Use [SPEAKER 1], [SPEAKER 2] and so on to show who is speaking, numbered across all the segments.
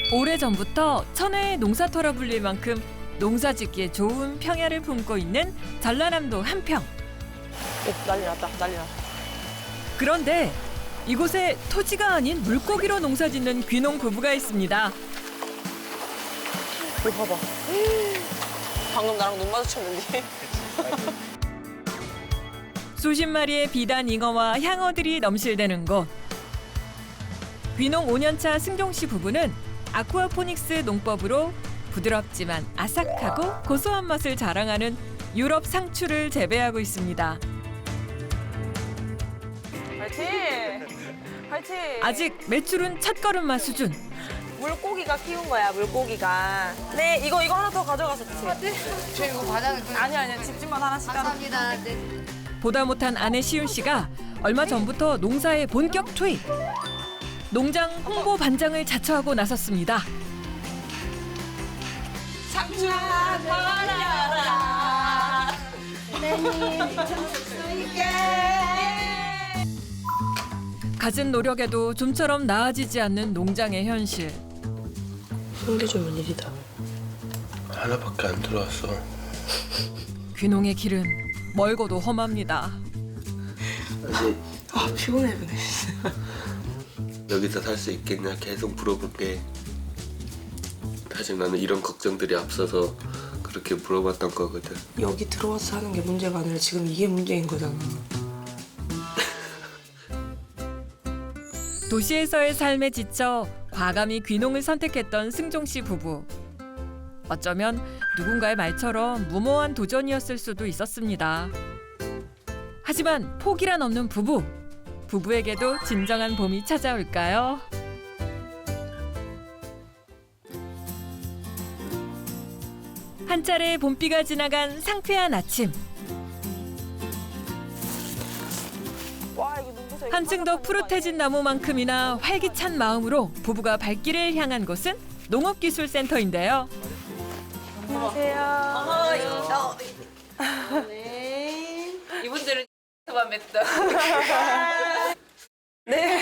[SPEAKER 1] 오래전부터 천혜의 농사터라 불릴 만큼 농사짓기에 좋은 평야를 품고 있는 전라남도 한평.
[SPEAKER 2] 난리 났다, 난리 났다.
[SPEAKER 1] 그런데 이곳에 토지가 아닌 물고기로 농사짓는 귀농 부부가 있습니다.
[SPEAKER 2] 이거 봐봐. 방금 나랑 눈 마주쳤는데.
[SPEAKER 1] 수십 마리의 비단 잉어와 향어들이 넘실대는 곳. 귀농 5년차 승종 씨 부부는 아쿠아포닉스 농법으로 부드럽지만 아삭하고 고소한 맛을 자랑하는 유럽 상추를 재배하고 있습니다.
[SPEAKER 2] 화이팅! 화이팅!
[SPEAKER 1] 아직 매출은 첫걸음마 수준.
[SPEAKER 2] 물고기가 키운 거야, 물고기가. 네, 이거 하나 더 가져가서 드세요.
[SPEAKER 3] 저 이거 과자는
[SPEAKER 2] 아니요, 집집마다 하나씩 따로.
[SPEAKER 3] 감사합니다. 네.
[SPEAKER 1] 보다 못한 아내 시윤 씨가 얼마 전부터 농사에 본격 투입. 농장 홍보 반장을 자처하고 나섰습니다.
[SPEAKER 2] 상추 버려라.
[SPEAKER 1] 갖은 노력에도 좀처럼 나아지지 않는 농장의 현실.
[SPEAKER 2] 힘들주면 일이다.
[SPEAKER 4] 하나밖에 안 들어왔어.
[SPEAKER 1] 귀농의 길은 멀고도 험합니다.
[SPEAKER 4] 아직
[SPEAKER 2] 피곤해, 그네.
[SPEAKER 4] 여기서 살 수 있겠냐 계속 물어볼게. 사실 나는 이런 걱정들이 앞서서 그렇게 물어봤던 거거든.
[SPEAKER 5] 여기 들어와서 사는 게 문제가 아니라 지금 이게 문제인 거잖아.
[SPEAKER 1] 도시에서의 삶에 지쳐 과감히 귀농을 선택했던 승종 씨 부부. 어쩌면 누군가의 말처럼 무모한 도전이었을 수도 있었습니다. 하지만 포기란 없는 부부. 부부에게도 진정한 봄이 찾아올까요? 한 차례 봄비가 지나간 상쾌한 아침.
[SPEAKER 2] 와, 이거 눈부셔.
[SPEAKER 1] 한층 더 푸릇해진 나무만큼이나 활기찬 마음으로 부부가 발길을 향한 곳은 농업기술센터인데요.
[SPEAKER 2] 안녕하세요.
[SPEAKER 3] 네.
[SPEAKER 2] 이분들은 만 맺다. 네.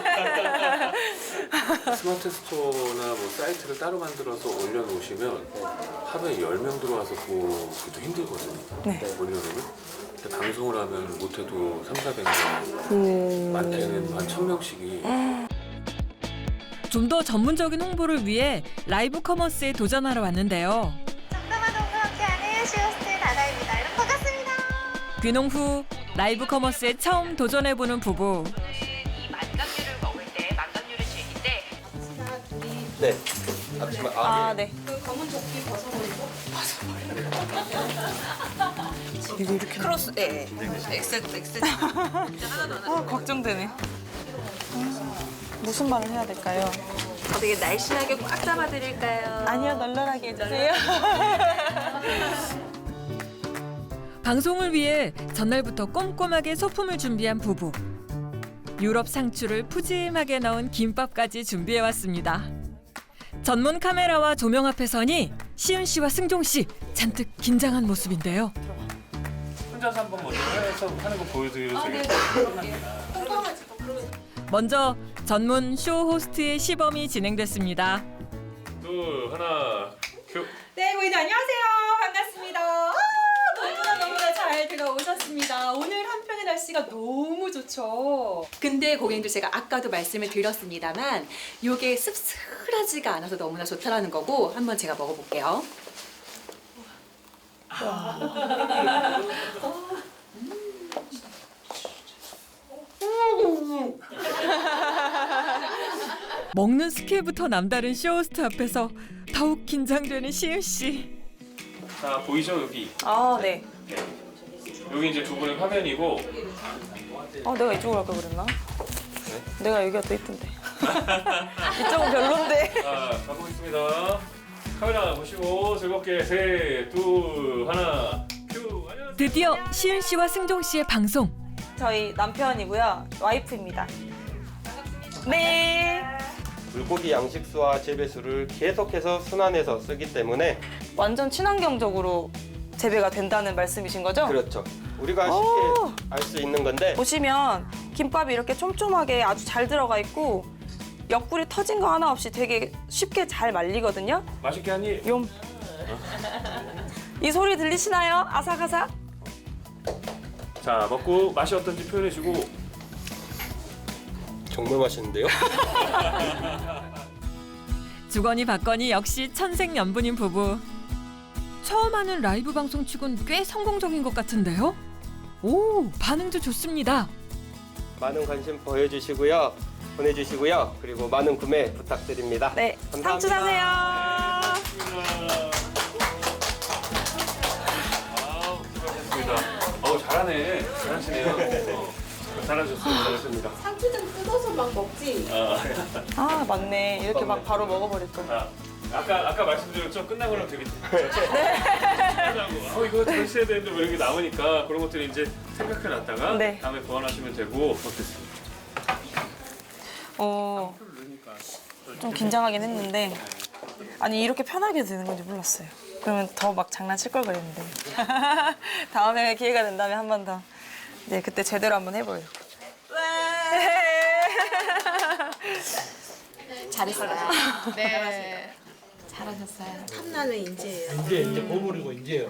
[SPEAKER 6] 스마트 스토어나 뭐 사이트를 따로 만들어서 올려놓으시면 하루에 10명 들어와서 보기도 힘들거든요.
[SPEAKER 2] 네.
[SPEAKER 6] 올려놓으면. 근데 방송을 하면 못해도 300~400명, 많게는 한 1000명씩이.
[SPEAKER 1] 좀 더 전문적인 홍보를 위해 라이브 커머스에 도전하러 왔는데요.
[SPEAKER 7] 정담아동과 함께하는 쇼호스트 다나입니다. 여러분 반갑습니다.
[SPEAKER 1] 귀농 후 라이브 커머스에 처음 도전해보는 부부.
[SPEAKER 8] 이 만감류를 먹을 때 만감류를 즐길 때
[SPEAKER 4] 네. 앞치마.
[SPEAKER 2] 아, 네.
[SPEAKER 5] 이거 이렇게
[SPEAKER 8] 크로스 예. 엑셀
[SPEAKER 2] 아, 걱정되네. 무슨 말을 해야 될까요?
[SPEAKER 8] 되게 날씬하게 꽉 잡아드릴까요?
[SPEAKER 2] 아니요, 널널하게 해주세요.
[SPEAKER 1] 방송을 위해 전날부터 꼼꼼하게 소품을 준비한 부부. 유럽 상추를 푸짐하게 넣은 김밥까지 준비해왔습니다. 전문 카메라와 조명 앞에 서니 시윤 씨와 승종 씨 잔뜩 긴장한 모습인데요.
[SPEAKER 6] 혼자서 한번 먼저 해서 하는 거 보여드려도 되겠어요?
[SPEAKER 1] 먼저 전문 쇼 호스트의 시범이 진행됐습니다.
[SPEAKER 6] 둘, 하나, 큐.
[SPEAKER 9] 네, 고객님 안녕하세요. 반갑습니다. 너무나 잘 들어오셨습니다. 오늘 한평의 날씨가 너무 좋죠. 근데 고객님들 제가 아까도 말씀을 드렸습니다만 이게 씁쓸하지가 않아서 너무나 좋다라는 거고 한번 제가 먹어볼게요.
[SPEAKER 1] 먹는 스킬부터 남다른 쇼호스트 앞에서 더욱 긴장되는 시윤 씨.
[SPEAKER 6] 자, 보이죠, 여기?
[SPEAKER 2] 아, 네.
[SPEAKER 6] 여기 이제 두 분의 화면이고.
[SPEAKER 2] 아, 내가 이쪽으로 할 걸 그랬나? 내가 여기가 더 이쁜데. 이쪽은 별론데.
[SPEAKER 6] 자, 가보겠습니다. 카메라 보시고 즐겁게 셋, 둘, 하나, 큐. 안녕하세요.
[SPEAKER 1] 드디어 시윤 씨와 승종 씨의 방송.
[SPEAKER 2] 저희 남편이고요. 와이프입니다. 네.
[SPEAKER 10] 물고기 양식수와 재배수를 계속해서 순환해서 쓰기 때문에
[SPEAKER 2] 완전 친환경적으로 재배가 된다는 말씀이신 거죠?
[SPEAKER 10] 그렇죠. 우리가 쉽게 알 수 있는 건데
[SPEAKER 2] 보시면 김밥이 이렇게 촘촘하게 아주 잘 들어가 있고 옆구리 터진 거 하나 없이 되게 쉽게 잘 말리거든요.
[SPEAKER 6] 맛있게 하니?
[SPEAKER 2] 욤. 이 소리 들리시나요? 아삭아삭.
[SPEAKER 6] 자, 먹고 맛이 어떤지 표현해주고.
[SPEAKER 10] 정말 맛있는데요?
[SPEAKER 1] 주거니 받거니 역시 천생연분인 부부. 처음 하는 라이브 방송치곤 꽤 성공적인 것 같은데요? 오, 반응도 좋습니다.
[SPEAKER 10] 많은 관심 보여주시고요. 보내주시고요. 그리고 많은 구매 부탁드립니다.
[SPEAKER 2] 네,
[SPEAKER 10] 감사합니다.
[SPEAKER 2] 상추 사세요.
[SPEAKER 6] 아우, 수고하셨습니다. 어우, 잘하네. 잘하시네요. 잘하셨습니다. 잘하셨습니다.
[SPEAKER 9] 상추 좀 뜯어서 막 먹지.
[SPEAKER 2] 아, 맞네. 이렇게 막 바로 먹어버릴 거.
[SPEAKER 6] 아까 말씀드렸죠? 끝나고 나면 되게 네. 이거 잘 써야 되는데 뭐 이런 게 나오니까 그런 것들을 이제 생각해놨다가
[SPEAKER 2] 네.
[SPEAKER 6] 다음에 보완하시면 되고 어땠습니까?
[SPEAKER 2] 좀 긴장하긴 했는데 아니 이렇게 편하게 되는 건지 몰랐어요. 그러면 더 막 장난칠 걸 그랬는데 다음에 기회가 된다면 한 번 더. 네, 그때 제대로 한번 해보려고.
[SPEAKER 9] 잘했어요. 네. 잘하셨어요.
[SPEAKER 5] 탐나는 인재예요.
[SPEAKER 3] 이제 보물이고 이제요.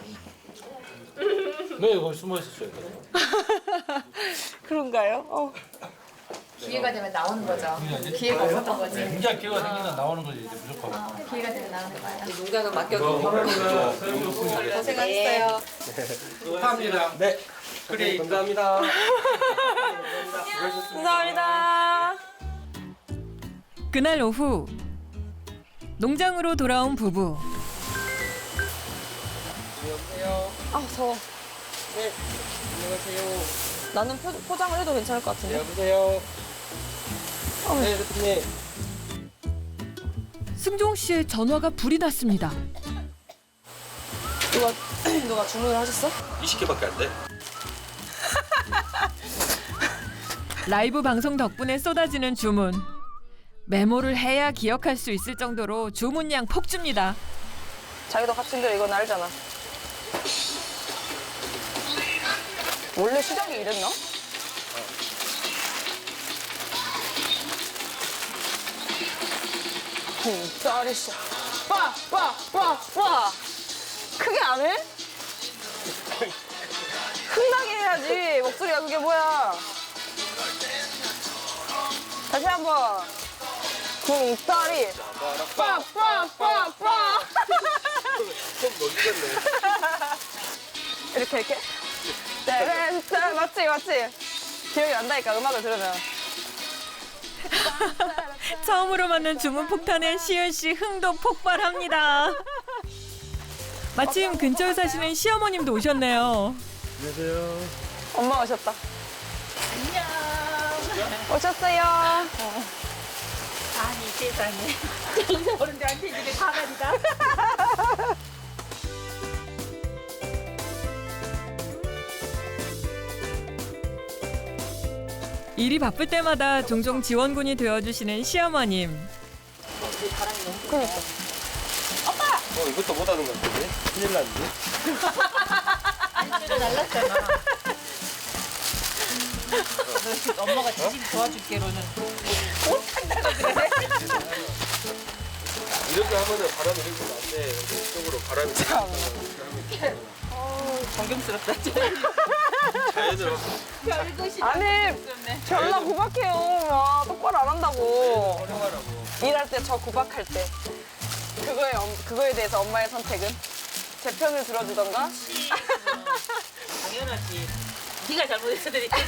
[SPEAKER 3] 왜 거기 숨어 있었어요?
[SPEAKER 2] 그런가요?
[SPEAKER 9] 기회가 되면 나오는 거죠. 기회가 없었던 거지.
[SPEAKER 3] 굉장히 기회가 생기면 나오는 거지 이제 무조건.
[SPEAKER 9] 기회가 되면 나오는 거야.
[SPEAKER 2] 농장은 맡겨도
[SPEAKER 9] 고생하셨어요.
[SPEAKER 3] 축하합니다.
[SPEAKER 10] 네. 그래, 감사합니다.
[SPEAKER 2] 감사합니다.
[SPEAKER 1] 그날 오후 농장으로 돌아온 부부.
[SPEAKER 2] 아, 더워.
[SPEAKER 10] 네. 안녕하세요.
[SPEAKER 2] 나는 포장을 해도 괜찮을 것 같은데.
[SPEAKER 10] 여보세요. 네, 대표님.
[SPEAKER 1] 승종 씨의 전화가 불이 났습니다.
[SPEAKER 2] 누가 주문을 하셨어?
[SPEAKER 10] 20개밖에 안 돼.
[SPEAKER 1] 라이브 방송 덕분에 쏟아지는 주문. 메모를 해야 기억할 수 있을 정도로 주문량 폭주입니다.
[SPEAKER 2] 자기도 같은 대로 이건 알잖아. 원래 시작이 이랬나? 짜리씨. 빠! 크게 안 해? 흥나게 해야지. 목소리가 그게 뭐야. 다시 한번. 쿵따리. 빠! 이렇게. 짠, 맞지? 기억이 난다니까, 음악을 들으면.
[SPEAKER 1] 처음으로 만난 주문 폭탄에 시은 씨 흥도 폭발합니다. 마침 근처에 사시는 시어머님도 오셨네요.
[SPEAKER 2] 엄마 오셨다. 안녕. 오셨어요.
[SPEAKER 9] 아니 세상에. 정세 어른들한테 이게 가관이다.
[SPEAKER 1] 일이 바쁠 때마다 종종 지원군이 되어주시는 시어머님.
[SPEAKER 2] 그러니까.
[SPEAKER 10] 이것도 못하는 것 같은데? 큰일 났는데?
[SPEAKER 9] 안주를 날랐잖아. 엄마가 지금 도와줄게로는.
[SPEAKER 10] 이렇게 하면은 바람이 이렇게 안 돼. 이쪽으로 바람이
[SPEAKER 9] 존경스럽다.
[SPEAKER 10] 자연으로.
[SPEAKER 9] 별것이
[SPEAKER 2] 아니, 별나 구박해요. 와, 똑바로 안 한다고. 일할 때 저 구박할 때. 그거에 대해서 엄마의 선택은? 제 편을 들어주던가?
[SPEAKER 9] 당연하지. 네가 잘못해서 내가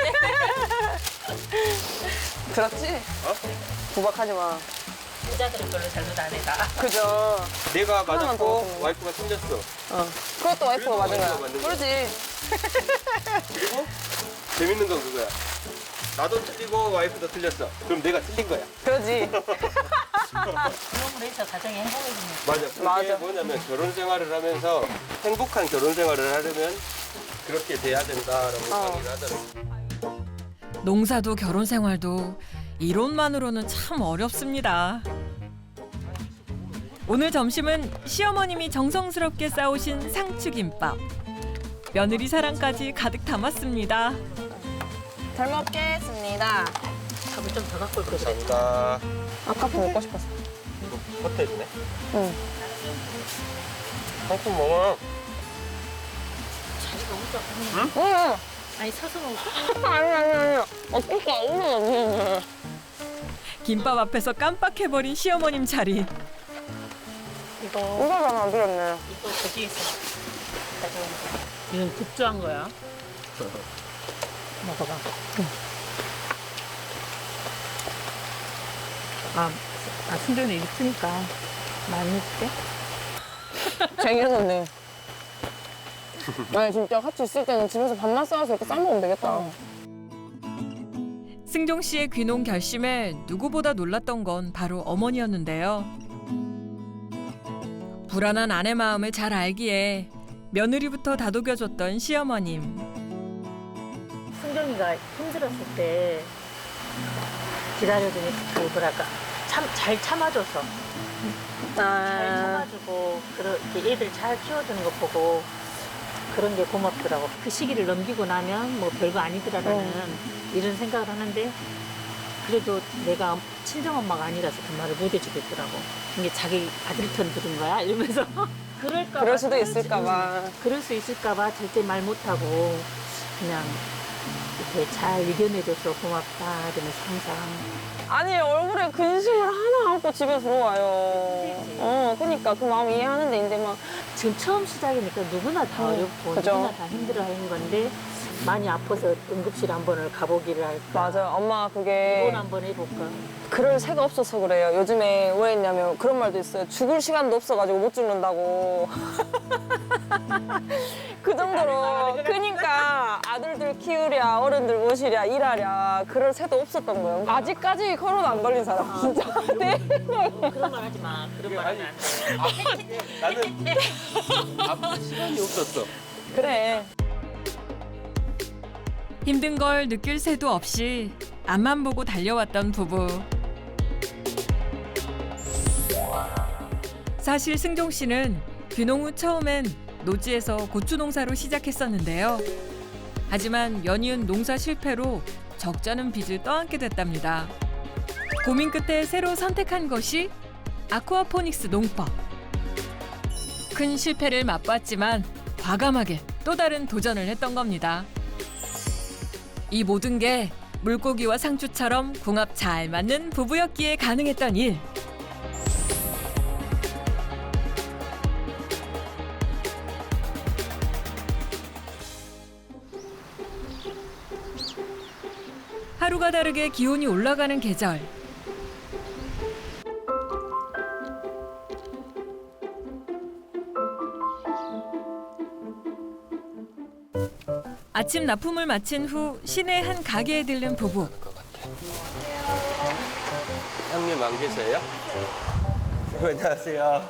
[SPEAKER 2] 들었지? 구박하지 마.
[SPEAKER 9] 여자들은 별로 잘못 안 해다.
[SPEAKER 2] 그죠?
[SPEAKER 10] 내가
[SPEAKER 2] 하나만 더
[SPEAKER 10] 맞았고
[SPEAKER 2] 먹으면.
[SPEAKER 10] 와이프가 틀렸어.
[SPEAKER 2] 그것도 와이프가 맞은
[SPEAKER 10] 와이프가
[SPEAKER 2] 거야.
[SPEAKER 10] 맞는 거야.
[SPEAKER 2] 그러지.
[SPEAKER 10] 그리고 재밌는 건 그거야. 나도 틀리고 와이프도 틀렸어. 그럼 내가 틀린 거야.
[SPEAKER 2] 그러지.
[SPEAKER 9] 그런 걸 해서 가정이 행복해지는
[SPEAKER 10] 맞아. 그게
[SPEAKER 2] 맞아.
[SPEAKER 10] 뭐냐면 결혼 생활을 하면서 행복한 결혼 생활을 하려면 그렇게 돼야 된다라고 얘기를 하더라고.
[SPEAKER 1] 농사도 결혼 생활도 이론만으로는 참 어렵습니다. 오늘 점심은 시어머님이 정성스럽게 싸오신 상추김밥. 며느리 사랑까지 가득 담았습니다.
[SPEAKER 2] 잘 먹겠습니다.
[SPEAKER 8] 밥을 좀 더 갖고 올 거지.
[SPEAKER 10] 감사합니다.
[SPEAKER 2] 아까부터 먹고 싶었어.
[SPEAKER 10] 이거 호텔이네.
[SPEAKER 2] 응.
[SPEAKER 10] 상품 먹어.
[SPEAKER 8] 자리가 혼자.
[SPEAKER 2] 응.
[SPEAKER 8] 아니 서서 먹을까?
[SPEAKER 2] 아니. 어떻게 아무나 없는데.
[SPEAKER 1] 김밥 앞에서 깜빡해버린 시어머님 자리.
[SPEAKER 8] 이거
[SPEAKER 2] 이거만 안 들었네.
[SPEAKER 8] 이거 저기 있어. 이건 급조한 거야. 먹어봐. 순전히 있으니까 많이 해줄게.
[SPEAKER 2] 쟁여놨네. 아니 진짜 같이 있을 때는 집에서 밥만 싸와서 이렇게 싸먹으면 되겠다.
[SPEAKER 1] 승종 씨의 귀농 결심에 누구보다 놀랐던 건 바로 어머니였는데요. 불안한 아내 마음을 잘 알기에 며느리부터 다독여줬던 시어머님.
[SPEAKER 8] 승정이가 힘들었을 때 기다려주니 그 뭐랄까 잘 참아줘서 잘 참아주고 그렇게 애들 잘 키워주는 거 보고 그런 게 고맙더라고. 그 시기를 넘기고 나면 뭐 별거 아니더라라는 이런 생각을 하는데 그래도 내가 친정엄마가 아니라서 그 말을 못 해주겠더라고. 이게 자기 아들 편 들은 거야 이러면서
[SPEAKER 2] 그럴 수도 있을까봐.
[SPEAKER 8] 그럴 수 있을까봐 절대 말 못하고 그냥 이렇게 잘 이겨내줘서 고맙다 이러면서 항상.
[SPEAKER 2] 아니 얼굴에 근심을 하나 안고 집에 들어와요. 그러니까 그 마음 이해하는데 이제 막
[SPEAKER 8] 지금 처음 시작이니까 누구나 다 어렵고
[SPEAKER 2] 그죠.
[SPEAKER 8] 누구나 다 힘들어하는 건데 많이 아파서 응급실 한 번을 가보기를 할까.
[SPEAKER 2] 맞아. 엄마 그게
[SPEAKER 8] 이번 한번 해볼까.
[SPEAKER 2] 그럴 새가 없어서 그래요. 요즘에 왜 했냐면 그런 말도 있어요. 죽을 시간도 없어가지고 못 죽는다고. 그 정도로 그러니까 아들들 키우랴 어른들 모시랴 일하랴 그럴 새도 없었던 거예요. 아직까지 코로나 안 걸린 사람 진짜. 네.
[SPEAKER 8] 그런 말 하지 마. 그런 말 하면 안 돼.
[SPEAKER 10] 나는 아무 시간이 없었어.
[SPEAKER 2] 그래.
[SPEAKER 1] 힘든 걸 느낄 새도 없이 앞만 보고 달려왔던 부부. 사실 승종 씨는 귀농 후 처음엔 노지에서 고추 농사로 시작했었는데요. 하지만 연이은 농사 실패로 적잖은 빚을 떠안게 됐답니다. 고민 끝에 새로 선택한 것이 아쿠아포닉스 농법. 큰 실패를 맛봤지만 과감하게 또 다른 도전을 했던 겁니다. 이 모든 게 물고기와 상추처럼 궁합 잘 맞는 부부였기에 가능했던 일. 하루가 다르게 기온이 올라가는 계절. 아침 납품을 마친 후 시내 한 가게에 들른 부부.
[SPEAKER 10] 형님 안 계세요? 안녕하세요.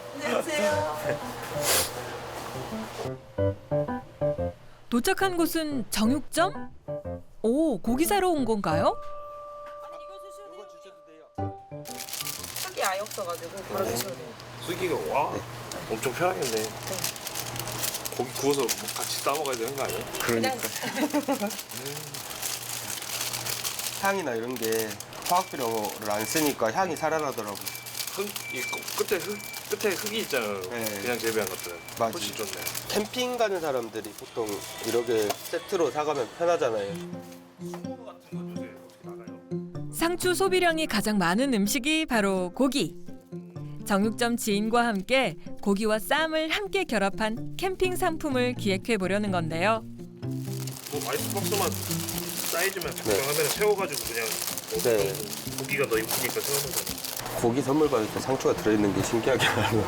[SPEAKER 1] 도착한 곳은 정육점? 오, 고기 사러 온 건가요?
[SPEAKER 10] 이거 주셔도 돼요.
[SPEAKER 2] 흙이 아예 없어가지고 바로 드셔도 돼요.
[SPEAKER 6] 쓰기가 와 엄청 편하겠네. 고기 구워서 뭐 같이 싸 먹어야 되는 거 아니에요?
[SPEAKER 10] 그러니까. 향이나 이런 게 화학비료를 안 쓰니까 향이 살아나더라고.
[SPEAKER 6] 끝에 흙이 있잖아요.
[SPEAKER 10] 네.
[SPEAKER 6] 그냥 재배한 것들은
[SPEAKER 10] 맞아.
[SPEAKER 6] 훨씬 좋네.
[SPEAKER 10] 캠핑 가는 사람들이 보통 이렇게 세트로 사가면 편하잖아요.
[SPEAKER 1] 상추 소비량이 가장 많은 음식이 바로 고기. 정육점 지인과 함께 고기와 쌈을 함께 결합한 캠핑 상품을 기획해 보려는 건데요.
[SPEAKER 6] 뭐 아이스박스만 사이즈만 적당하면 세워가지고 그냥
[SPEAKER 10] 네.
[SPEAKER 6] 고기가 더 이쁘니까 세우는 거.
[SPEAKER 10] 고기 선물 받을 때 상추가 들어있는 게 신기하게 많아요.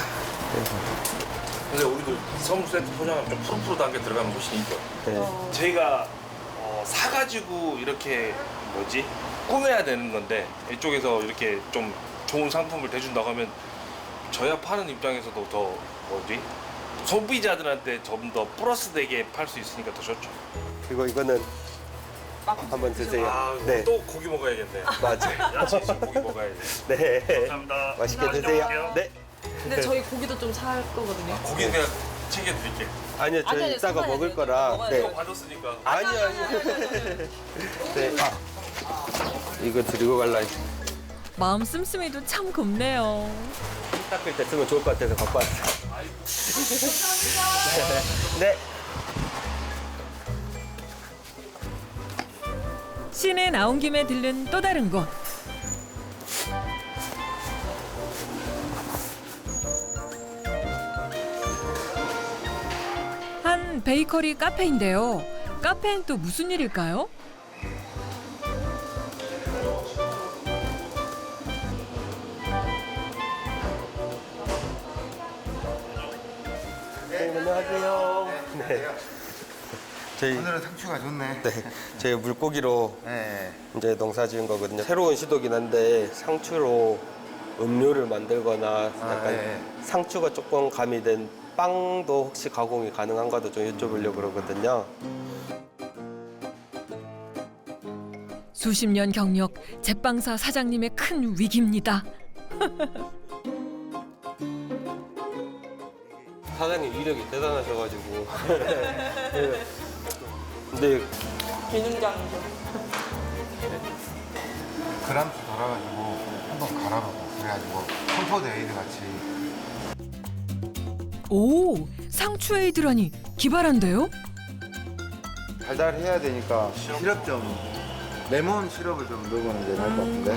[SPEAKER 6] 근데 우리도 선물 세트 포장하면 좀 푸릇푸릇한 게 들어가면 훨씬 이뻐요.
[SPEAKER 10] 네.
[SPEAKER 6] 저희가 사가지고 이렇게 꾸며야 되는 건데 이쪽에서 이렇게 좀 좋은 상품을 대준다고 하면 저희가 파는 입장에서도 더 소비자들한테 좀 더 플러스 되게 팔 수 있으니까 더 좋죠.
[SPEAKER 10] 그리고 이거는 한번 드세요. 네.
[SPEAKER 6] 또 고기 먹어야겠네요.
[SPEAKER 10] 맞아요.
[SPEAKER 6] 야채 있으면 고기 먹어야지.
[SPEAKER 10] 네.
[SPEAKER 6] 감사합니다.
[SPEAKER 10] 맛있게 드세요. 네.
[SPEAKER 2] 근데 저희 고기도 좀 살 거거든요.
[SPEAKER 6] 고기 그냥 챙겨드릴게.
[SPEAKER 10] 아니요, 저
[SPEAKER 2] 아니요,
[SPEAKER 10] 이따가
[SPEAKER 2] 사가야죠.
[SPEAKER 10] 먹을 거라.
[SPEAKER 2] 먹어야죠.
[SPEAKER 10] 네.
[SPEAKER 6] 받았으니까.
[SPEAKER 10] 아니요. 네. 이거 드리고 갈라.
[SPEAKER 1] 마음 씀씀이도 참 곱네요.
[SPEAKER 10] 닦을 때 쓰면 좋을 것 같아서 갖고 왔어요. 네.
[SPEAKER 1] 시내 나온 김에 들른 또 다른 곳. 한 베이커리 카페인데요. 카페엔 또 무슨 일일까요?
[SPEAKER 10] 안녕하세요. 네. 저희
[SPEAKER 11] 오늘은 상추가 좋네.
[SPEAKER 10] 네, 저희 물고기로
[SPEAKER 11] 네.
[SPEAKER 10] 이제 농사 지은 거거든요. 새로운 시도긴 한데 상추로 음료를 만들거나 약간
[SPEAKER 11] 네.
[SPEAKER 10] 상추가 조금 가미된 빵도 혹시 가공이 가능한가도 좀 여쭤보려고 그러거든요.
[SPEAKER 1] 수십 년 경력 제빵사 사장님의 큰 위기입니다.
[SPEAKER 10] 사장님 이력이 대단하셔가지고. 근데
[SPEAKER 2] 비능장이죠.
[SPEAKER 11] 그람수 달아가지고 한번 갈아보고 그래가지고 컴포트 에이드 같이.
[SPEAKER 1] 오, 상추 에이드라니 기발한데요?
[SPEAKER 11] 달달해야 되니까 시럽 좀 레몬 시럽을 좀 넣으면 이제 날 것 같은데.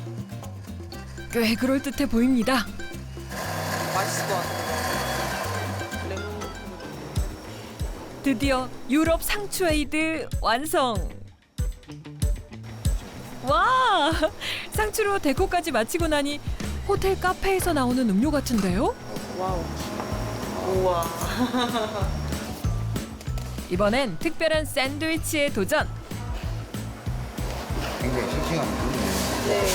[SPEAKER 1] 꽤 그럴듯해 보입니다.
[SPEAKER 2] 맛있을 것 같아요.
[SPEAKER 1] 드디어 유럽 상추 에이드 완성! 와! 상추로 데코까지 마치고 나니 호텔 카페에서 나오는 음료 같은데요?
[SPEAKER 2] 와우. 우와.
[SPEAKER 1] 이번엔 특별한 샌드위치에 도전!
[SPEAKER 11] 굉장히 싱싱함이 좋네.
[SPEAKER 2] 네.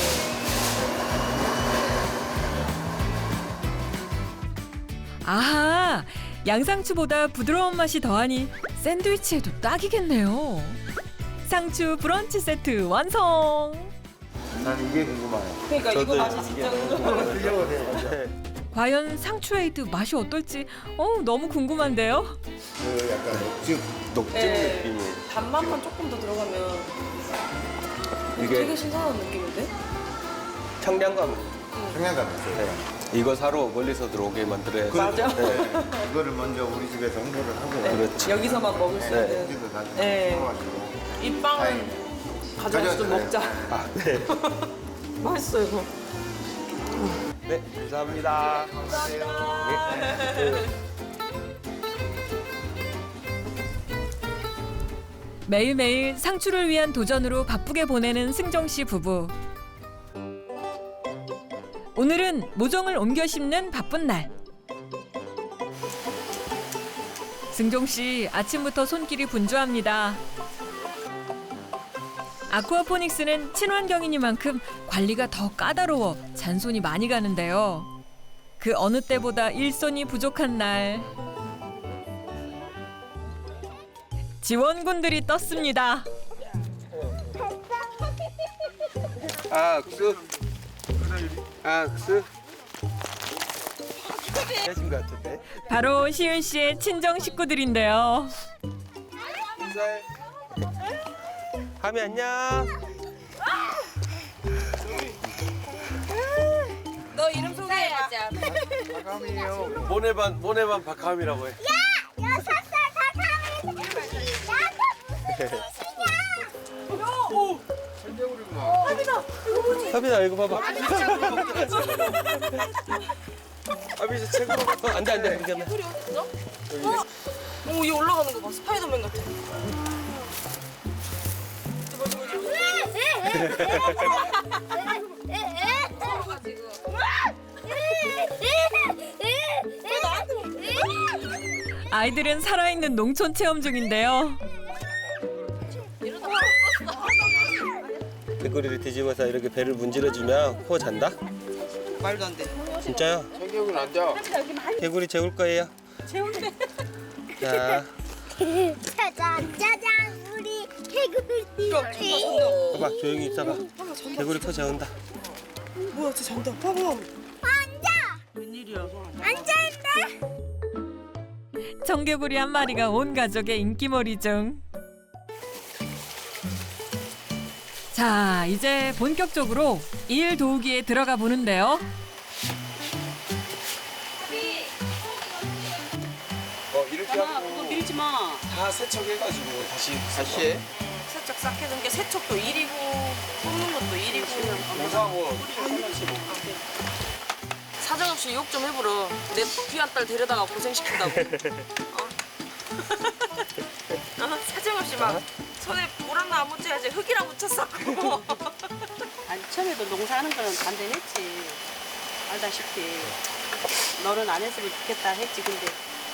[SPEAKER 1] 아하! 양상추보다 부드러운 맛이 더하니 샌드위치에도 딱이겠네요. 상추 브런치 세트 완성!
[SPEAKER 11] 난 이게 궁금해요.
[SPEAKER 2] 그러니까 이거 맛이 진짜 궁금해요.
[SPEAKER 11] 드셔보세요.
[SPEAKER 1] 과연 상추 에이드 맛이 어떨지 너무 궁금한데요?
[SPEAKER 11] 그 약간 녹즙.
[SPEAKER 10] 녹즙
[SPEAKER 2] 네.
[SPEAKER 10] 느낌이.
[SPEAKER 2] 단맛만 조금 더 들어가면
[SPEAKER 10] 이게
[SPEAKER 2] 되게 신선한 느낌인데?
[SPEAKER 10] 청량감.
[SPEAKER 11] 청량감 있어요.
[SPEAKER 10] 네. 이거 사러 멀리서 들어오게 만들어야 돼.
[SPEAKER 2] 맞아.
[SPEAKER 10] 네.
[SPEAKER 11] 이거를 먼저 우리 집에서 홍보를 하고.
[SPEAKER 10] 그렇지.
[SPEAKER 2] 여기서만 먹을 수
[SPEAKER 10] 네.
[SPEAKER 2] 있는.
[SPEAKER 11] 여기도 다
[SPEAKER 2] 네.
[SPEAKER 11] 먹어가지고.
[SPEAKER 2] 이 빵은
[SPEAKER 11] 다행이네.
[SPEAKER 2] 가져가서 좀 먹자.
[SPEAKER 10] 아, 네.
[SPEAKER 2] 맛있어 이거.
[SPEAKER 10] 네, 감사합니다. 네.
[SPEAKER 1] 매일매일 상추를 위한 도전으로 바쁘게 보내는 승종 씨 부부. 오늘은 모종을 옮겨 심는 바쁜 날. 승종 씨 아침부터 손길이 분주합니다. 아쿠아포닉스는 친환경이니만큼 관리가 더 까다로워 잔손이 많이 가는데요. 그 어느 때보다 일손이 부족한 날. 지원군들이 떴습니다.
[SPEAKER 10] 악수. 악수. 해준 것 같은데.
[SPEAKER 1] 바로 시은 씨의 친정 식구들인데요.
[SPEAKER 10] 하미 안녕.
[SPEAKER 2] 너 이름 소개해야지.
[SPEAKER 11] 마감이에요.
[SPEAKER 10] 모네반 박하미라고 해.
[SPEAKER 7] 야! 6살 다카미
[SPEAKER 10] 하빈아 이거 봐봐. 하빈이 최고로. 안돼 이게
[SPEAKER 2] 소리 없어? 오, 얘 올라가는 거 봐. 스파이더맨 같아.
[SPEAKER 1] 아이들은 살아있는 농촌 체험 중인데요.
[SPEAKER 10] 개구리를 뒤집어서 이렇게 배를 문질러주면 코 잔다?
[SPEAKER 2] 말도 안 돼.
[SPEAKER 10] 진짜요?
[SPEAKER 11] 청경은 앉아.
[SPEAKER 10] 개구리 재울 거예요.
[SPEAKER 2] 재운대.
[SPEAKER 10] 자,
[SPEAKER 7] 짜잔 짜잔 우리 개구리.
[SPEAKER 10] 봐봐 조용히 있어봐. 개구리 코 재운다.
[SPEAKER 2] 뭐야, 쟤 잔다. 봐봐.
[SPEAKER 7] 앉아.
[SPEAKER 2] 웬일이야.
[SPEAKER 7] 앉아있네.
[SPEAKER 1] 청개구리 한 마리가 온 가족의 인기몰이 중. 자, 이제 본격적으로 일 도우기에 들어가 보는데요.
[SPEAKER 10] 이렇게 하고
[SPEAKER 5] 밀지 마.
[SPEAKER 10] 다 세척해가지고 다시 해.
[SPEAKER 5] 세척 싹 해둔 게 세척도 일이고 뽑는 것도 일이고.
[SPEAKER 10] 공사하고 하나씩
[SPEAKER 2] 사정없이 욕 좀 해보러. 내 귀한 딸 데려다가 고생시킨다고. 사정없이 막 손에 물 하나 안 묻혀야지 흙이랑 묻혔었고.
[SPEAKER 8] 아니 처음에도 농사하는 거는 반대했지. 알다시피 너는 안 했으면 좋겠다 했지. 근데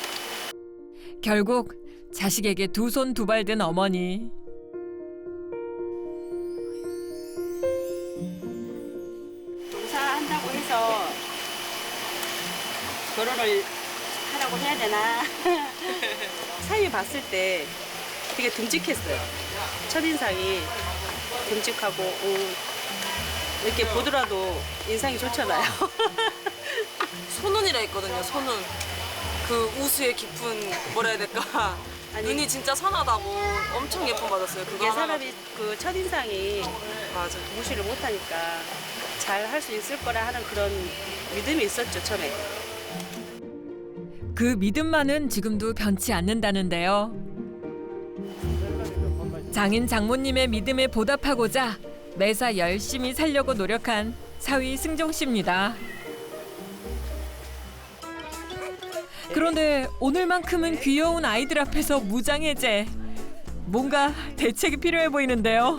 [SPEAKER 1] 결국 자식에게 두 손 두 발 든 어머니.
[SPEAKER 8] 농사한다고 해서 결혼을 하라고 해야 되나? 사위 봤을 때 되게 듬직했어요. 첫인상이 듬직하고 이렇게 보더라도 인상이 좋잖아요.
[SPEAKER 2] 손은이라 했거든요, 손은. 그 우수의 깊은 뭐라 해야 될까. 눈이 진짜 선하다고 엄청 예쁨 받았어요. 그거
[SPEAKER 8] 그게
[SPEAKER 2] 하나가.
[SPEAKER 8] 사람이 그 첫인상이
[SPEAKER 2] 맞아.
[SPEAKER 8] 무시를 못하니까 잘 할 수 있을 거라 하는 그런 믿음이 있었죠, 처음에.
[SPEAKER 1] 그 믿음만은 지금도 변치 않는다는데요. 장인 장모님의 믿음에 보답하고자 매사 열심히 살려고 노력한 사위 승종 씨입니다. 그런데 오늘만큼은 귀여운 아이들 앞에서 무장해제. 뭔가 대책이 필요해 보이는데요.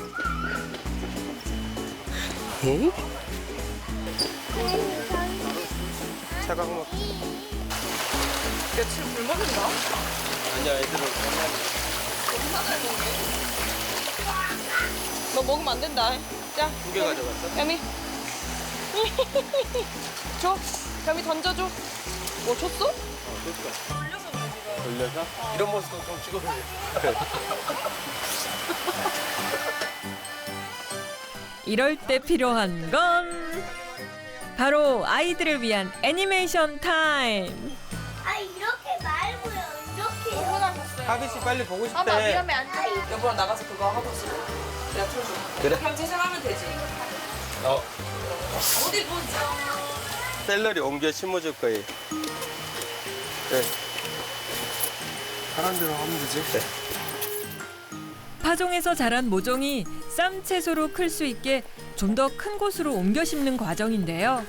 [SPEAKER 10] 차가운 거.
[SPEAKER 2] 야, 지금 물 먹는다?
[SPEAKER 10] 아니야, 애들은
[SPEAKER 2] 너 먹으면 안 된다. 자,
[SPEAKER 10] 2개 가져갔어?
[SPEAKER 2] 야미. 줘. 야미 던져줘. 뭐 줬어?
[SPEAKER 10] 돌려서? 이런 모습도 좀 찍어줘.
[SPEAKER 1] 이럴 때 필요한 건 바로 아이들을 위한 애니메이션 타임.
[SPEAKER 7] 아 이렇게 말고요. 이렇게.
[SPEAKER 10] 하비 씨 빨리 보고 싶대.
[SPEAKER 7] 엄마 위험해 안 돼.
[SPEAKER 2] 여보랑 나가서 그거 하고 있어. 내가 틀어줘.
[SPEAKER 10] 그래.
[SPEAKER 2] 그럼 재생하면 되지. 어디 보자.
[SPEAKER 10] 샐러리 옮겨 심어줄 거예요. 네. 하란 대로 하면 되지. 네.
[SPEAKER 1] 파종에서 자란 모종이 쌈 채소로 클 수 있게 좀 더 큰 곳으로 옮겨 심는 과정인데요.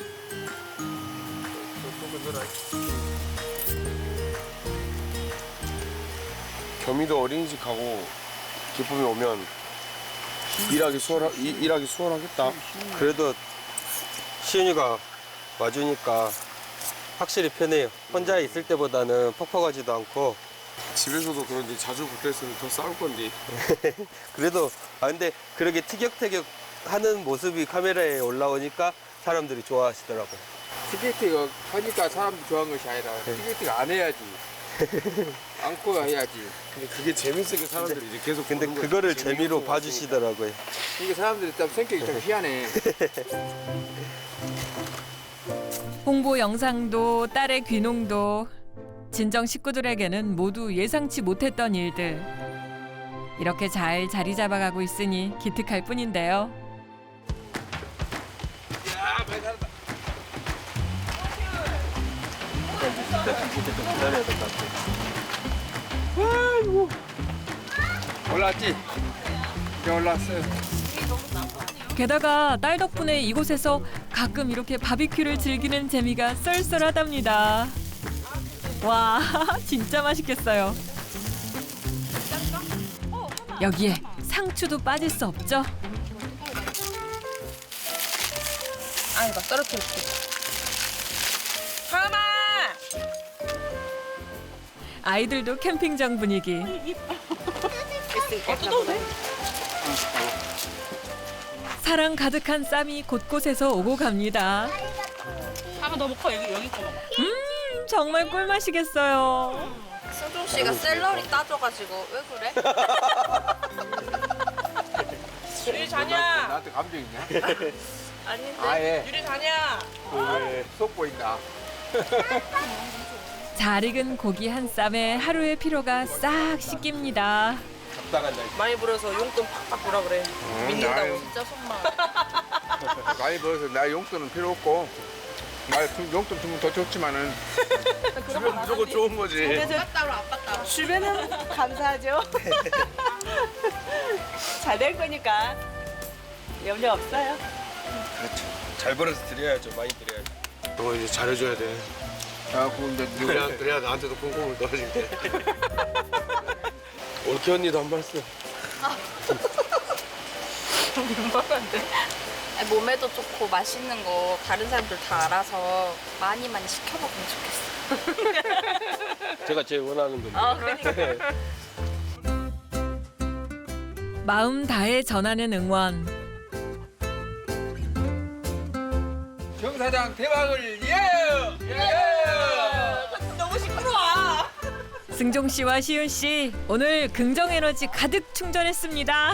[SPEAKER 12] 겸이도 어린이집 가고 기쁨이 오면 일하기 수월하겠다.
[SPEAKER 10] 그래도 시윤이가 와주니까 확실히 편해요. 혼자 있을 때보다는 퍽퍽하지도 않고.
[SPEAKER 12] 집에서도 그런데 자주 붙어있으면 더 싸울 건데.
[SPEAKER 10] 그래도 근데 그렇게 티격태격 하는 모습이 카메라에 올라오니까 사람들이 좋아하시더라고요.
[SPEAKER 11] 티켓팅 하니까 사람들이 좋아하는 것이 아니라 티켓팅 안 해야지. 안고 해야지.
[SPEAKER 12] 근데 그게 재밌으니까 사람들이 이제 계속
[SPEAKER 10] 근데
[SPEAKER 12] 보는 거지.
[SPEAKER 10] 그거를
[SPEAKER 12] 재밌고
[SPEAKER 10] 재미로 봐주시더라고요.
[SPEAKER 11] 이게 사람들이 좀 성격이 좀 희한해.
[SPEAKER 1] 홍보 영상도 딸의 귀농도 친정 식구들에게는 모두 예상치 못했던 일들. 이렇게 잘 자리 잡아가고 있으니 기특할 뿐인데요.
[SPEAKER 11] 올라왔지? 이제 올라왔어요.
[SPEAKER 1] 게다가 딸 덕분에 이곳에서 가끔 이렇게 바비큐를 즐기는 재미가 쏠쏠하답니다. 와, 진짜 맛있겠어요. 여기에 상추도 빠질 수 없죠.
[SPEAKER 2] 아이고, 떨어뜨릴게. 하마!
[SPEAKER 1] 아이들도 캠핑장 분위기.
[SPEAKER 2] 뜯어도 돼?
[SPEAKER 1] 사랑 가득한 쌈이 곳곳에서 오고 갑니다.
[SPEAKER 8] 한번 더 먹고 여기 거 먹어.
[SPEAKER 1] 정말 꿀맛이겠어요.
[SPEAKER 2] 승종 씨가 샐러리 따줘가지고 왜 그래? 유리 자냐?
[SPEAKER 11] 나한테 감정 있냐?
[SPEAKER 2] 아닌데.
[SPEAKER 11] 아예.
[SPEAKER 2] 유리 자냐?
[SPEAKER 11] 속 보인다.
[SPEAKER 1] 잘 익은 고기 한 쌈에 하루의 피로가 싹 씻깁니다.
[SPEAKER 10] 적당한 날.
[SPEAKER 2] 많이 불어서 용돈 팍팍 부라 그래. 믿는다고.
[SPEAKER 9] 진짜 손만.
[SPEAKER 11] 많이 벌어서 나 용돈은 필요 없고 용돈 주면 더 좋지만은 주면 무조건 좋은 거지.
[SPEAKER 2] 주변은 감사하죠. 잘 될 거니까 염려 없어요.
[SPEAKER 10] 그렇죠. 잘 벌어서 드려야죠. 많이 드려야죠.
[SPEAKER 12] 너 이제 잘해줘야 돼.
[SPEAKER 11] 아, 근데
[SPEAKER 12] 그래야 나한테도 콩콩을 떨어질 때. 올케 언니도 안 봤어.
[SPEAKER 7] 몸에도 좋고 맛있는 거 다른 사람들 다 알아서 많이 시켜먹으면 좋겠어.
[SPEAKER 10] 제가 제일 원하는 겁니다.
[SPEAKER 7] 아, 그러니까.
[SPEAKER 1] 마음 다해 전하는 응원.
[SPEAKER 11] 정 사장 대박을 예!
[SPEAKER 2] 너무 시끄러워.
[SPEAKER 1] 승종 씨와 시윤 씨 오늘 긍정 에너지 가득 충전했습니다.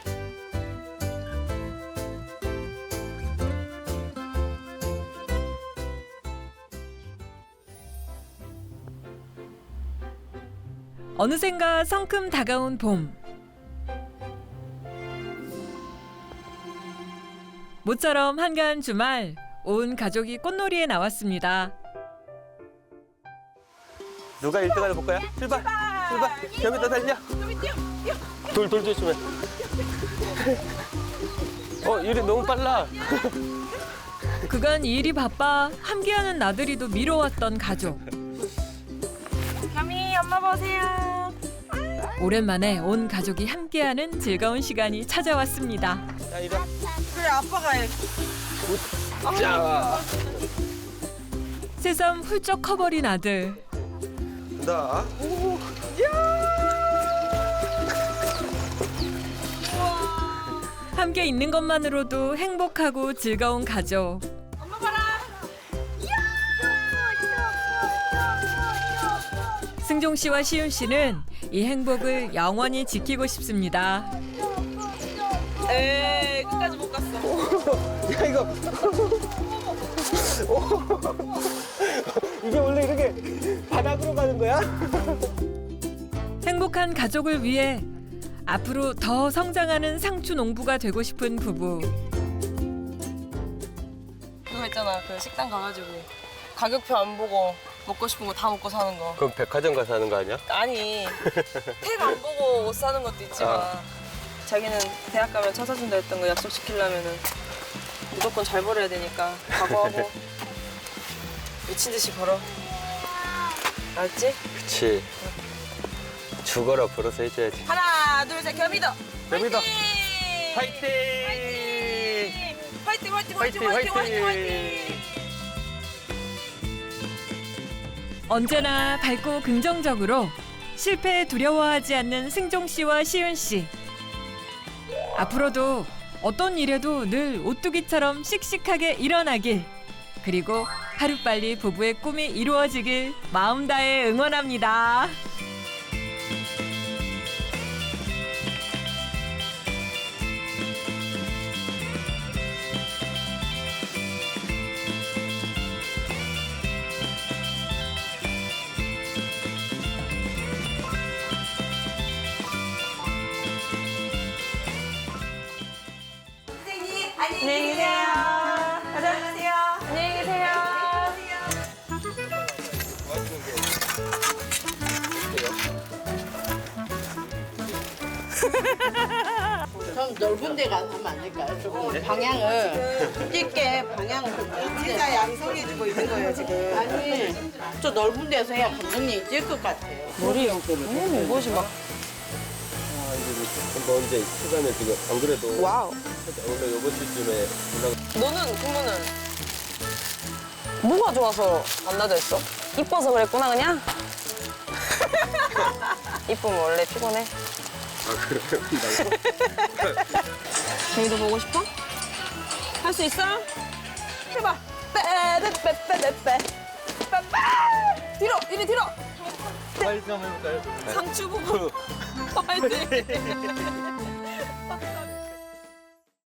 [SPEAKER 1] 어느샌가 성큼 다가온 봄. 모처럼 한가한 주말 온 가족이 꽃놀이에 나왔습니다.
[SPEAKER 10] 누가 1등 하나 볼까요? 출발! 겸이 더 달려! 돌 조심해. 일이 너무 빨라.
[SPEAKER 1] 그간 일이 바빠 함께하는 나들이도 미뤄왔던 가족.
[SPEAKER 2] 겸이 엄마 보세요.
[SPEAKER 1] 오랜만에 온 가족이 함께하는 즐거운 시간이 찾아왔습니다.
[SPEAKER 10] 자, 이리 와.
[SPEAKER 2] 그래 아빠가 해.
[SPEAKER 10] 자,
[SPEAKER 1] 새삼 훌쩍 커버린 아들.
[SPEAKER 10] 나.
[SPEAKER 1] 함께 있는 것만으로도 행복하고 즐거운 가족.
[SPEAKER 2] 엄마 봐라.
[SPEAKER 1] 승종 씨와 시윤 씨는 이 행복을 영원히 지키고 싶습니다.
[SPEAKER 2] 에이 끝까지 못 갔어.
[SPEAKER 10] 야, 이거. 이게 원래 이렇게 바닥으로 가는 거야?
[SPEAKER 1] 행복한 가족을 위해 앞으로 더 성장하는 상추 농부가 되고 싶은 부부.
[SPEAKER 2] 그거 있잖아. 그 식당 가가지고 가격표 안 보고 먹고 싶은 거 다 먹고 사는 거.
[SPEAKER 10] 그럼 백화점 가서 하는 거 아니야?
[SPEAKER 2] 아니 택 안 보고 옷 사는 것도 있지만 자기는 대학 가면 차 사준다 했던 거 약속시키려면은 무조건 잘 벌어야 되니까 각오하고 미친 듯이 벌어. 알았지?
[SPEAKER 10] 그치. 죽어라 벌어서 해줘야지.
[SPEAKER 2] 하나 둘 셋 겸이도.
[SPEAKER 10] 겸이도.
[SPEAKER 2] 화이팅!
[SPEAKER 10] 화이팅!
[SPEAKER 2] 화이팅! 화이팅!
[SPEAKER 1] 언제나 밝고 긍정적으로 실패에 두려워하지 않는 승종 씨와 시윤 씨. 앞으로도 어떤 일에도 늘 오뚜기처럼 씩씩하게 일어나길. 그리고 하루빨리 부부의 꿈이 이루어지길 마음 다해 응원합니다.
[SPEAKER 2] 안녕히 계세요. 안녕하세요. 안녕히 계세요.
[SPEAKER 13] 좀 넓은 데 가서 하면 안 될까요? 조금 방향을 쉽게 방향을 좀 넓은 데. 진짜 양성해주고 있는 거예요 지금. 아니 좀 넓은 데서 해야 감독님이 찔 것 같아요.
[SPEAKER 2] 머리 무엇이 막.
[SPEAKER 10] 뭐 이제 시간에 지금 안 그래도
[SPEAKER 2] 와우.
[SPEAKER 10] 원래 이번 주쯤에
[SPEAKER 2] 너는 그러면은 뭐가 좋아서 만나자 했어? 이뻐서 그랬구나 그냥? 이쁘면 원래 피곤해.
[SPEAKER 10] 아 그래요?
[SPEAKER 2] 저희도 보고 싶어? 할 수 있어? 해봐. 빼빼빼빼빼빼. 뒤로 이리 뒤로.
[SPEAKER 10] 화이팅 한번 해볼까요?
[SPEAKER 2] 상추 보고 화이팅.